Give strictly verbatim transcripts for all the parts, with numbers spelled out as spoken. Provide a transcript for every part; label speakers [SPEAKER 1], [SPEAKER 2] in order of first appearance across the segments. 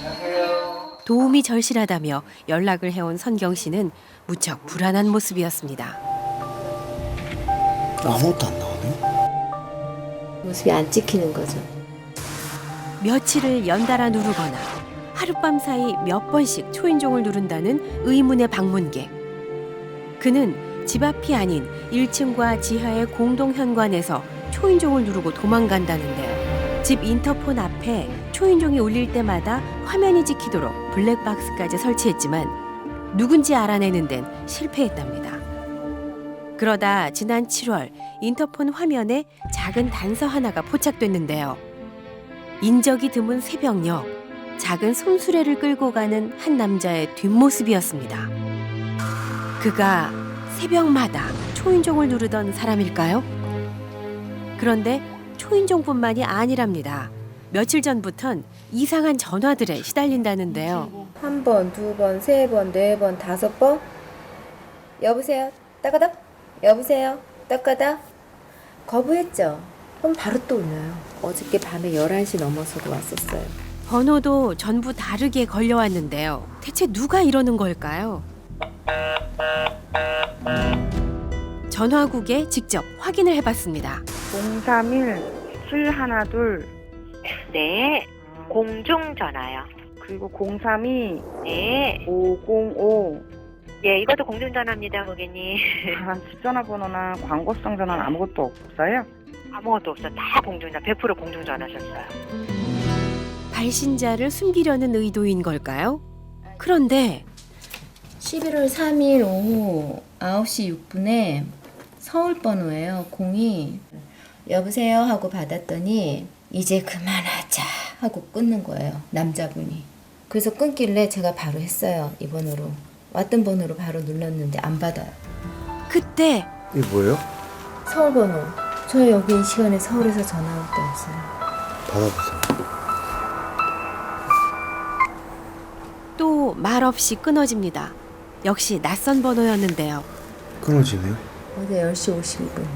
[SPEAKER 1] 도움이 절실하다며 연락을 해온 선경 씨는 무척 불안한 모습이었습니다.
[SPEAKER 2] 아무것도 안 나오네.
[SPEAKER 3] 모습이 안 찍히는 거죠.
[SPEAKER 1] 며칠을 연달아 누르거나 하룻밤 사이 몇 번씩 초인종을 누른다는 의문의 방문객. 그는 집 앞이 아닌 일 층과 지하의 공동 현관에서 초인종을 누르고 도망간다는데요. 집 인터폰 앞에 초인종이 울릴 때마다 화면이 찍히도록 블랙박스까지 설치했지만 누군지 알아내는 데는 실패했답니다. 그러다 지난 칠월 인터폰 화면에 작은 단서 하나가 포착됐는데요. 인적이 드문 새벽녘 작은 손수레를 끌고 가는 한 남자의 뒷모습이었습니다. 그가 새벽마다 초인종을 누르던 사람일까요? 그런데 초인종뿐만이 아니랍니다. 며칠 전부턴 이상한 전화들에 시달린다는데요.
[SPEAKER 3] 한 번, 두 번, 세 번, 네 번, 다섯 번. 여보세요? 따가닥? 여보세요? 따가닥? 거부했죠. 그럼 바로 또 울려요. 어저께 밤에 열한 시 넘어서도 왔었어요.
[SPEAKER 1] 번호도 전부 다르게 걸려왔는데요. 대체 누가 이러는 걸까요? 전화국에 직접 확인을 해봤습니다.
[SPEAKER 4] 공삼일 칠일이.
[SPEAKER 5] 네, 공중전화요.
[SPEAKER 4] 그리고 공삼이
[SPEAKER 5] 네,
[SPEAKER 4] 오공오.
[SPEAKER 5] 예, 이것도 공중전화입니다, 고객님.
[SPEAKER 4] 아, 집 전화번호나 광고성 전화는 아무것도 없어요?
[SPEAKER 5] 아무것도 없어. 다 공중전화, 백 퍼센트 공중전화셨어요.
[SPEAKER 1] 발신자를 숨기려는 의도인 걸까요? 그런데
[SPEAKER 3] 십일월 삼일 오후 아홉 시 육 분에 서울 번호예요. 공이 여보세요 하고 받았더니 이제 그만하자 하고 끊는 거예요. 남자분이. 그래서 끊길래 제가 바로 했어요. 이 번호로. 왔던 번호로 바로 눌렀는데 안 받아요.
[SPEAKER 1] 그때
[SPEAKER 2] 이게 뭐예요?
[SPEAKER 3] 서울 번호. 저 여기 이 시간에 서울에서 전화 올 때 없어요.
[SPEAKER 2] 받아보세요.
[SPEAKER 1] 또 말없이 끊어집니다. 역시 낯선 번호였는데요.
[SPEAKER 2] 끊어지네요.
[SPEAKER 3] 어제 열 시 오십이 분.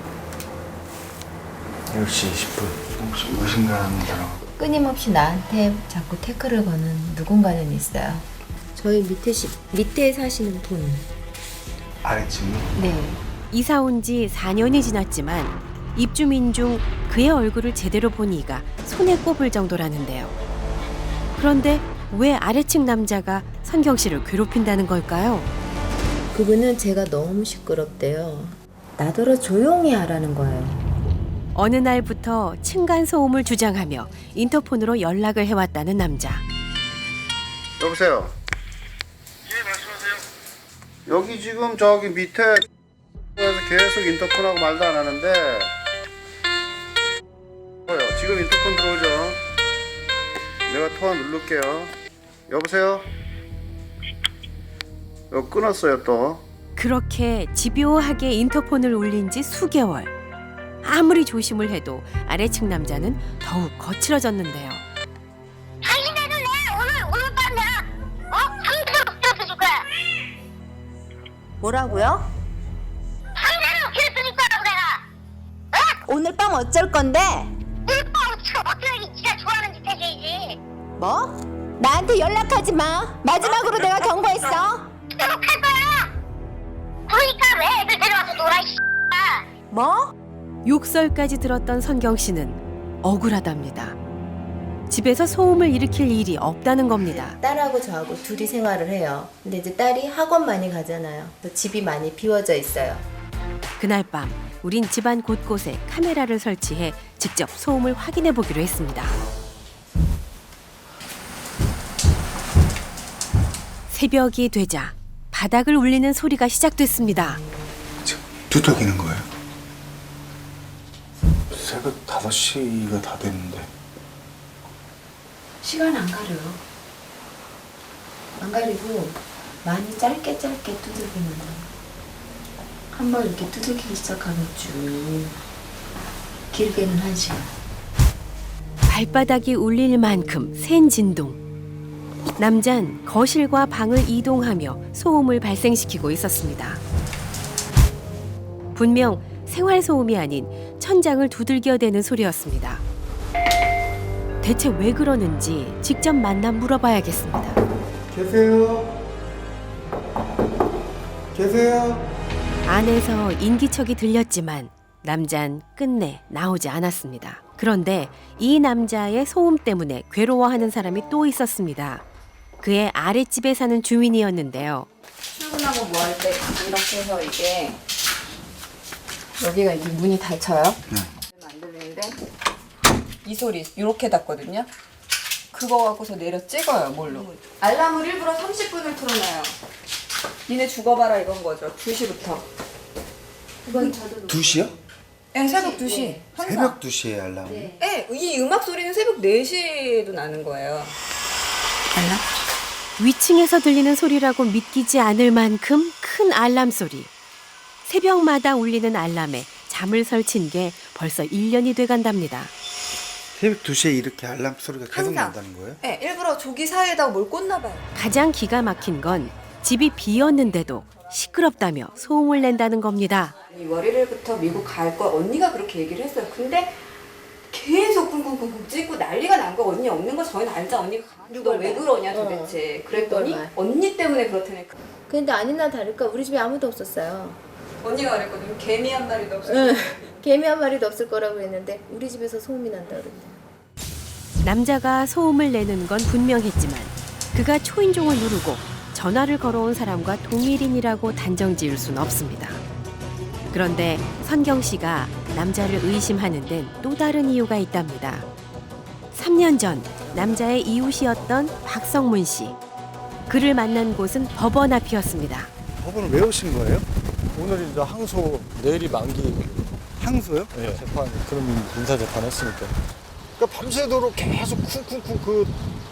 [SPEAKER 2] 열 시 이십 분. 혹시 무엇인가 합니다.
[SPEAKER 3] 끊임없이 나한테 자꾸 태클을 거는 누군가는 있어요. 저희 밑에 시, 밑에 사시는 분.
[SPEAKER 2] 아래층이?
[SPEAKER 3] 네.
[SPEAKER 1] 이사 온 지 사 년이 지났지만 입주민 중 그의 얼굴을 제대로 본 이가 손에 꼽을 정도라는데요. 그런데 왜 아래층 남자가 선경 씨를 괴롭힌다는 걸까요?
[SPEAKER 3] 그분은 제가 너무 시끄럽대요. 나더러 조용히 하라는 거예요.
[SPEAKER 1] 어느 날부터 층간소음을 주장하며 인터폰으로 연락을 해왔다는 남자.
[SPEAKER 2] 여보세요.
[SPEAKER 6] 예, 말씀하세요.
[SPEAKER 2] 여기 지금 저기 밑에 에서 계속 인터폰하고 말도 안 하는데. 뭐요? 지금 인터폰 들어오죠? 내가 통화 누를게요. 여보세요? 어, 끊었어요 또.
[SPEAKER 1] 그렇게 집요하게 인터폰을 울린 지 수개월. 아무리 조심을 해도 아래층 남자는 더욱 거칠어졌는데요.
[SPEAKER 7] 당신네는 내 오늘 오늘 밤이야. 어? 상대로 괴롭혀줄 거야.
[SPEAKER 8] 뭐라고요?
[SPEAKER 7] 상대로 괴롭혀줄 거라고 내가.
[SPEAKER 8] 오늘 밤 어쩔 건데?
[SPEAKER 7] 오늘 밤 어떻게 네가 좋아하는 짓 해줘야지.
[SPEAKER 8] 뭐? 나한테 연락하지 마. 마지막으로 내가 경고했어.
[SPEAKER 7] 괴롭할 거야. 그러니까 왜 애들 데려와서 놀아 이
[SPEAKER 8] 뭐?
[SPEAKER 1] 욕설까지 들었던 선경 씨는 억울하답니다. 집에서 소음을 일으킬 일이 없다는 겁니다.
[SPEAKER 3] 딸하고 저하고 둘이 생활을 해요. 근데 이제 딸이 학원 많이 가잖아요. 그래서 집이 많이 비워져 있어요.
[SPEAKER 1] 그날 밤 우린 집안 곳곳에 카메라를 설치해 직접 소음을 확인해 보기로 했습니다. 새벽이 되자 바닥을 울리는 소리가 시작됐습니다.
[SPEAKER 2] 두들기는 거예요? 새벽 다섯 시가 다 됐는데.
[SPEAKER 3] 시간 안 가려요. 안 가리고 많이 짧게 짧게 두들기는 거예요. 한번 이렇게 두들기기 시작하면 쭉 길게는 한 시간.
[SPEAKER 1] 발바닥이 울릴 만큼 센 진동. 남잔 거실과 방을 이동하며 소음을 발생시키고 있었습니다. 분명 생활 소음이 아닌 천장을 두들겨대는 소리였습니다. 대체 왜 그러는지 직접 만나 물어봐야겠습니다.
[SPEAKER 2] 계세요? 계세요?
[SPEAKER 1] 안에서 인기척이 들렸지만 남잔 끝내 나오지 않았습니다. 그런데 이 남자의 소음 때문에 괴로워하는 사람이 또 있었습니다. 그의 아랫집에 사는 주민이었는데요.
[SPEAKER 3] 출근하고 뭐 할 때 이렇게 해서 이게 여기가 이게 문이 닫혀요.
[SPEAKER 2] 네.
[SPEAKER 3] 안 들리는데 이 소리 이렇게 닫거든요. 그거 갖고서 내려 찍어요 뭘로. 알람을 일부러 삼십 분을 틀어놔요. 니네 죽어봐라 이건 거죠. 두 시부터.
[SPEAKER 2] 두 시요?
[SPEAKER 3] 네, 새벽 두 시. 항상.
[SPEAKER 2] 새벽 두 시에 알람.
[SPEAKER 3] 네, 이 음악 소리는 새벽 네 시에도 나는 거예요. 알람?
[SPEAKER 1] 위층에서 들리는 소리라고 믿기지 않을 만큼 큰 알람 소리. 새벽마다 울리는 알람에 잠을 설친 게 벌써 일 년이 돼간답니다.
[SPEAKER 2] 새벽 두 시에 이렇게 알람 소리가 계속
[SPEAKER 3] 항상.
[SPEAKER 2] 난다는 거예요?
[SPEAKER 3] 네, 일부러 조기 사이에다가 뭘 꽂나 봐요.
[SPEAKER 1] 가장 기가 막힌 건 집이 비었는데도 시끄럽다며 소음을 낸다는 겁니다.
[SPEAKER 3] 이 월요일부터 미국 갈 거 언니가 그렇게 얘기를 했어요. 근데 계속 쿵쿵쿵쿵 찍고 난리가 난 거. 언니 없는 거 저희는 알자. 언니가 너 왜 그러냐 도대체. 그랬더니 언니 때문에 그렇다네.
[SPEAKER 8] 근데 아니나 다를까 우리 집에 아무도 없었어요.
[SPEAKER 3] 언니가 그랬거든요. 개미 한 마리도 없었어요.
[SPEAKER 8] 응. 개미 한 마리도 없을 거라고 했는데 우리 집에서 소음이 난다 그랬대요.
[SPEAKER 1] 남자가 소음을 내는 건 분명했지만 그가 초인종을 누르고 전화를 걸어온 사람과 동일인이라고 단정 지을 수는 없습니다. 그런데 선경 씨가 남자를 의심하는 데는 또 다른 이유가 있답니다. 삼 년 전 남자의 이웃이었던 박성문 씨. 그를 만난 곳은 법원 앞이었습니다.
[SPEAKER 2] 법원을 왜 오신 거예요?
[SPEAKER 9] 오늘이 이제 항소, 내일이 만기.
[SPEAKER 2] 항소요?
[SPEAKER 9] 네. 재판, 그럼 민사 재판 했으니까. 그러니까 밤새도록 계속 쿵쿵쿵 그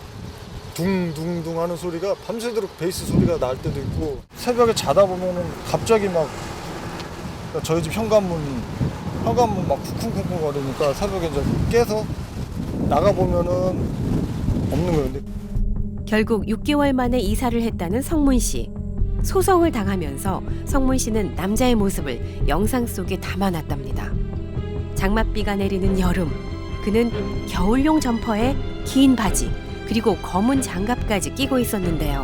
[SPEAKER 9] 둥둥둥 하는 소리가 밤새도록 베이스 소리가 날 때도 있고, 새벽에 자다 보면은 갑자기 막 그러니까 저희 집 현관문 현관문 막 쿵쿵쿵쿵 거리니까 새벽에 이제 깨서 나가 보면은 없는 거예요. 근데
[SPEAKER 1] 결국 육 개월 만에 이사를 했다는 성문 씨. 소송을 당하면서 성문 씨는 남자의 모습을 영상 속에 담아놨답니다. 장맛비가 내리는 여름, 그는 겨울용 점퍼에 긴 바지, 그리고 검은 장갑까지 끼고 있었는데요.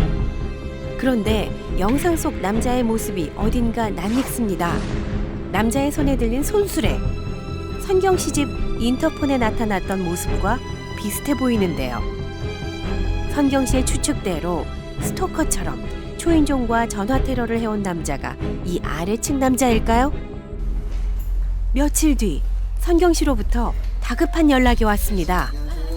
[SPEAKER 1] 그런데 영상 속 남자의 모습이 어딘가 낯익습니다. 남자의 손에 들린 손수레. 선경 씨 집 인터폰에 나타났던 모습과 비슷해 보이는데요. 선경 씨의 추측대로 스토커처럼 초인종과 전화 테러를 해온 남자가 이 아래층 남자일까요? 며칠 뒤 선경 씨로부터 다급한 연락이 왔습니다.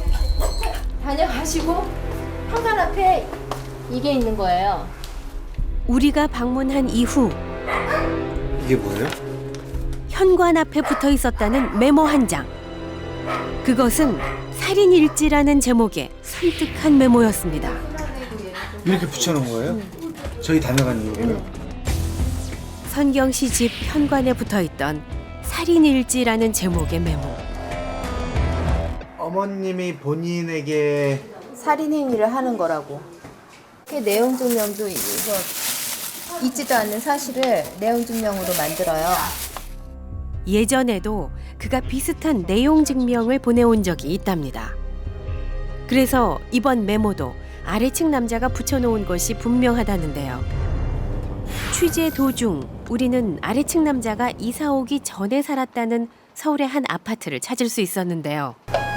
[SPEAKER 8] 다녀가시고 현관 앞에 이게 있는 거예요.
[SPEAKER 1] 우리가 방문한 이후
[SPEAKER 2] 이게 뭐예요?
[SPEAKER 1] 현관 앞에 붙어 있었다는 메모 한 장. 그것은 살인일지라는 제목의 섬뜩한 메모였습니다.
[SPEAKER 2] 이렇게 붙여놓은 거예요? 저희 다녀간 이유를?
[SPEAKER 1] 선경 씨 집 현관에 붙어 있던 살인일지라는 제목의 메모.
[SPEAKER 2] 어머님이 본인에게
[SPEAKER 8] 살인 행위를 하는 거라고. 그 내용 증명도 이거 있지도 않는 사실을 내용 증명으로 만들어요.
[SPEAKER 1] 예전에도 그가 비슷한 내용 증명을 보내온 적이 있답니다. 그래서 이번 메모도 아래층 남자가 붙여놓은 것이 분명하다는데요. 취재 도중 우리는 아래층 남자가 이사 오기 전에 살았다는 서울의 한 아파트를 찾을 수 있었는데요.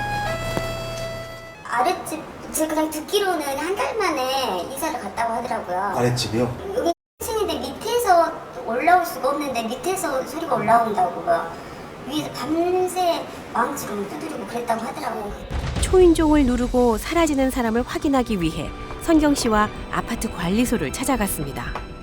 [SPEAKER 7] 아랫집 제가 그냥 듣기로는 한 달 만에 이사를 갔다고 하더라고요.
[SPEAKER 2] 아랫집이요?
[SPEAKER 7] 여기 층인데 밑에서 올라올 수가 없는데 밑에서 소리가 올라온다고요. 위에서 밤새 망치로 두드리고 그랬다고 하더라고요.
[SPEAKER 1] 초인종을 누르고 사라지는 사람을 확인하기 위해 선경 씨와 아파트 관리소를 찾아갔습니다.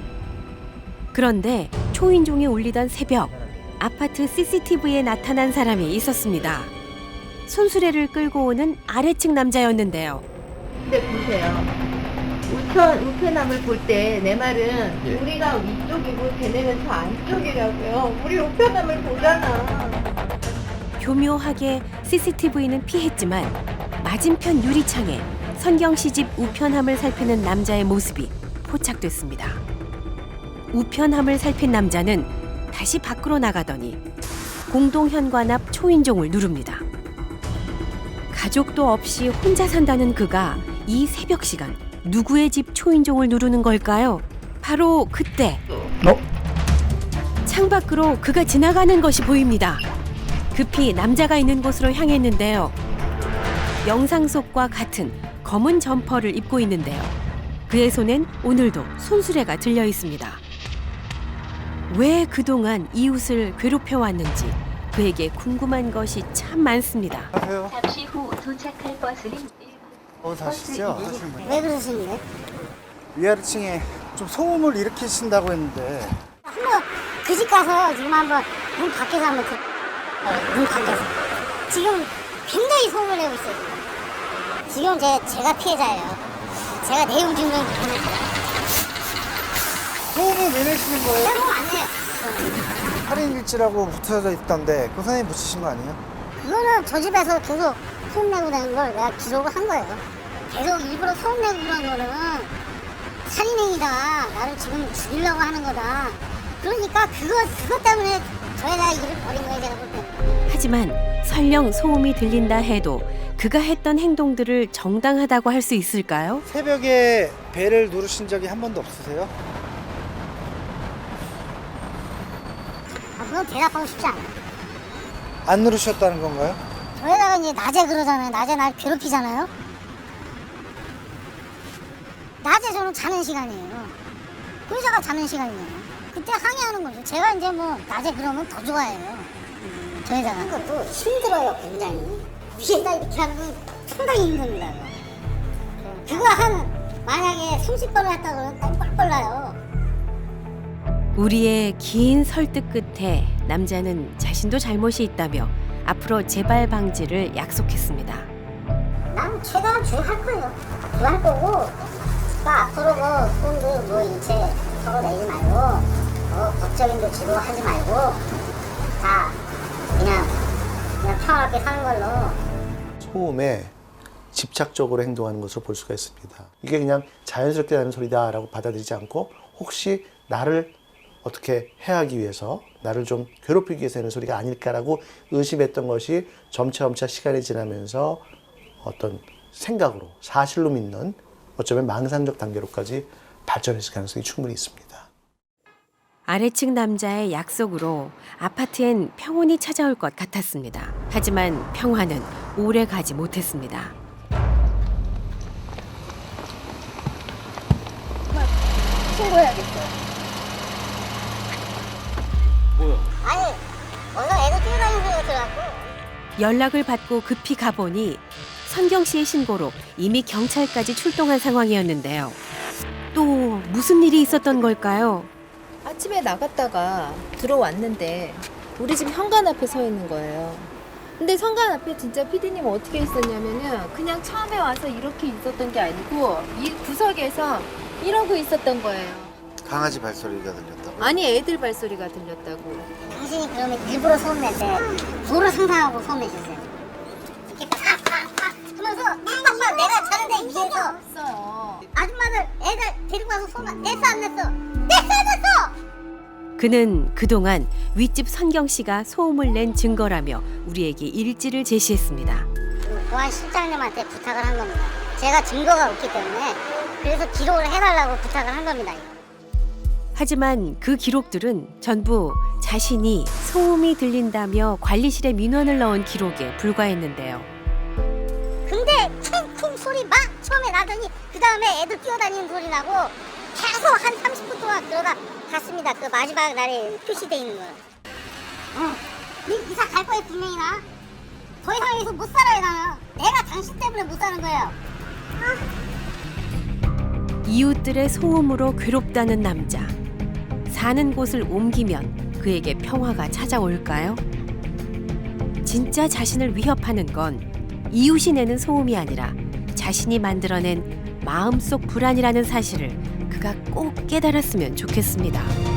[SPEAKER 1] 그런데 초인종이 울리던 새벽, 아파트 씨씨티비에 나타난 사람이 있었습니다. 손수레를 끌고 오는 아래층 남자였는데요.
[SPEAKER 8] 근데 보세요. 우편, 우편함을 볼 때 내 말은
[SPEAKER 9] 예.
[SPEAKER 8] 우리가 위쪽이고 걔네는 저 안쪽이라고요. 우리 우편함을 보잖아.
[SPEAKER 1] 교묘하게 씨씨티비는 피했지만 맞은편 유리창에 선경 씨 집 우편함을 살피는 남자의 모습이 포착됐습니다. 우편함을 살핀 남자는 다시 밖으로 나가더니 공동 현관 앞 초인종을 누릅니다. 가족도 없이 혼자 산다는 그가 이 새벽 시간 누구의 집 초인종을 누르는 걸까요? 바로 그때 창밖으로 그가 지나가는 것이 보입니다. 급히 남자가 있는 곳으로 향했는데요. 영상 속과 같은 검은 점퍼를 입고 있는데요. 그의 손엔 오늘도 손수레가 들려 있습니다. 왜 그동안 이웃을 괴롭혀왔는지 그에게 궁금한 것이 참 많습니다.
[SPEAKER 9] 안녕하세요.
[SPEAKER 10] 잠시 후 도착할 버스는
[SPEAKER 9] 어, 사시죠?
[SPEAKER 7] 왜 그러시는데?
[SPEAKER 9] 위아래층에 좀 소음을 일으키신다고 했는데
[SPEAKER 7] 한번 그 집 가서 지금 한번 문 밖에서 한번 그, 어, 문 밖에서 지금 굉장히 소음을 내고 있어요. 지금 제, 제가 피해자예요. 제가 내용 증명 보냈어요.
[SPEAKER 9] 소음을 왜 내시는 거예요?
[SPEAKER 7] 내용 안 내요.
[SPEAKER 9] 할인 일지라고 붙어져 있던데 그 선생님 붙이신 거 아니에요?
[SPEAKER 7] 그거는 저 집에서 계속 소음 내고 다니는 걸 내가 기록을 한 거예요. 계속 일부러 소음 내고 그런 거는 살인행위다. 나를 지금 죽이려고 하는 거다. 그러니까 그거, 그것 때문에 저희가 일을 벌인 거예요, 제가 볼 때.
[SPEAKER 1] 하지만 설령 소음이 들린다 해도 그가 했던 행동들을 정당하다고 할 수 있을까요?
[SPEAKER 9] 새벽에 벨을 누르신 적이 한 번도 없으세요?
[SPEAKER 7] 아, 그건 대답하고 싶지 않아요.
[SPEAKER 9] 안 누르셨다는 건가요?
[SPEAKER 7] 저희다가 이제 낮에 그러잖아요. 낮에 날 괴롭히잖아요. 낮에 저는 자는 시간이에요. 의사가 자는 시간이에요. 그때 항의하는 거죠. 제가 이제 뭐 낮에 그러면 더 좋아해요. 저희다가. 그것도 힘들어요, 굉장히. 위에다 이렇게 하는 건 상당히 힘듭니다. 그거 한 만약에 삼십 번을 했다 그러면 똥 나요.
[SPEAKER 1] 우리의 긴 설득 끝에 남자는 자신도 잘못이 있다며 앞으로 재발 방지를 약속했습니다.
[SPEAKER 7] 난 최대한 주의할 거예요. 주의할 거고, 그러니까 앞으로 뭐 손도 뭐 일체 털어내지 말고, 뭐 법적인도 지도하지 말고, 다 그냥 그냥 평화롭게 사는 걸로.
[SPEAKER 11] 소음에 집착적으로 행동하는 것으로 볼 수가 있습니다. 이게 그냥 자연스럽게 나는 소리다라고 받아들이지 않고 혹시 나를 어떻게 해하기 위해서 나를 좀 괴롭히기 위해서 하는 소리가 아닐까라고 의심했던 것이 점차점차 시간이 지나면서 어떤 생각으로 사실로 믿는 어쩌면 망상적 단계로까지 발전했을 가능성이 충분히 있습니다.
[SPEAKER 1] 아래층 남자의 약속으로 아파트엔 평온이 찾아올 것 같았습니다. 하지만 평화는 오래 가지 못했습니다.
[SPEAKER 8] 신고해야겠어요.
[SPEAKER 7] 아니, 어서 애들 뛰어다니는 소리가 들어갖고.
[SPEAKER 1] 연락을 받고 급히 가보니 선경 씨의 신고로 이미 경찰까지 출동한 상황이었는데요. 또 무슨 일이 있었던 걸까요?
[SPEAKER 8] 아침에 나갔다가 들어왔는데 우리 집 현관 앞에 서 있는 거예요. 근데 현관 앞에 진짜 피디님 어떻게 있었냐면은 그냥 처음에 와서 이렇게 있었던 게 아니고 이 구석에서 이러고 있었던 거예요.
[SPEAKER 9] 강아지 발소리가 들렸다고?
[SPEAKER 8] 아니 애들 발소리가 들렸다고.
[SPEAKER 7] 당신이 그러면 일부러 소음 냈대. 도를 상상하고 소음 내셨어요. 이렇게 팍팍팍 하면서 팍팍팍 내가 자는데 위에서
[SPEAKER 8] 없어요.
[SPEAKER 7] 아줌마들 애들 데리고 와서 소음 냈어 안 냈어? 냈어 안 냈어?
[SPEAKER 1] 그는 그동안 윗집 선경 씨가 소음을 낸 증거라며 우리에게 일지를 제시했습니다.
[SPEAKER 7] 보안 실장님한테 부탁을 한 겁니다. 제가 증거가 없기 때문에 그래서 기록을 해달라고 부탁을 한 겁니다.
[SPEAKER 1] 하지만 그 기록들은 전부 자신이 소음이 들린다며 관리실에 민원을 넣은 기록에 불과했는데요.
[SPEAKER 7] 근데 쿵쿵 소리 막 처음에 나더니 그 다음에 애들 뛰어다니는 소리 나고 계속 한 삼십 분 동안 그러다 갔습니다. 그 마지막 날에 표시돼 있는 거는. 어, 네 이사 갈 거예요 분명히 나. 더 이상 여기서 못 살아요 나는. 내가 당신 때문에 못 사는 거예요. 아.
[SPEAKER 1] 이웃들의 소음으로 괴롭다는 남자. 사는 곳을 옮기면 그에게 평화가 찾아올까요? 진짜 자신을 위협하는 건 이웃이 내는 소음이 아니라 자신이 만들어낸 마음속 불안이라는 사실을 그가 꼭 깨달았으면 좋겠습니다.